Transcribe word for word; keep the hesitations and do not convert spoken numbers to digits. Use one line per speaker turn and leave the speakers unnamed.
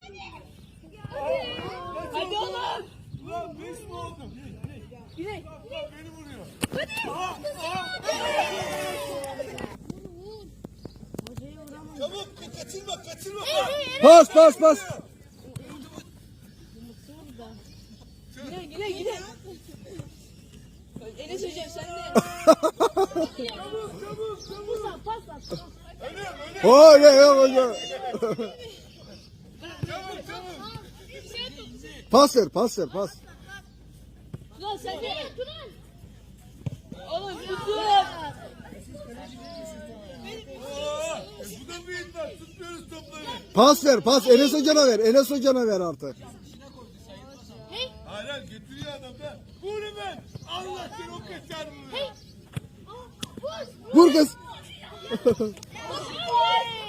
Hadi oğlum.
Ulan beş mi oldum?
Güney.
Ulan beni vuruyor. Çabuk kaçırma kaçırma.
Pas pas pas.
Güney Güney Güney. Enes hocam sen de.
Çabuk çabuk çabuk.
Pas at.
Öyle öyle.
Öyle yok hocam.
Çabuk çabuk.
Pas ver pas ver pas.
Ulan sen de. Oğlum Yusuf.
Aa, e bu da bir iddia. Tutmuyoruz topları.
Pas ver pas. Enes hocana ver. Enes hocana ver artık.
Hayır hayır getiriyor adam da. Vur hemen. Allah seni o kaçar vuruyor.
Vur kız.
Hey!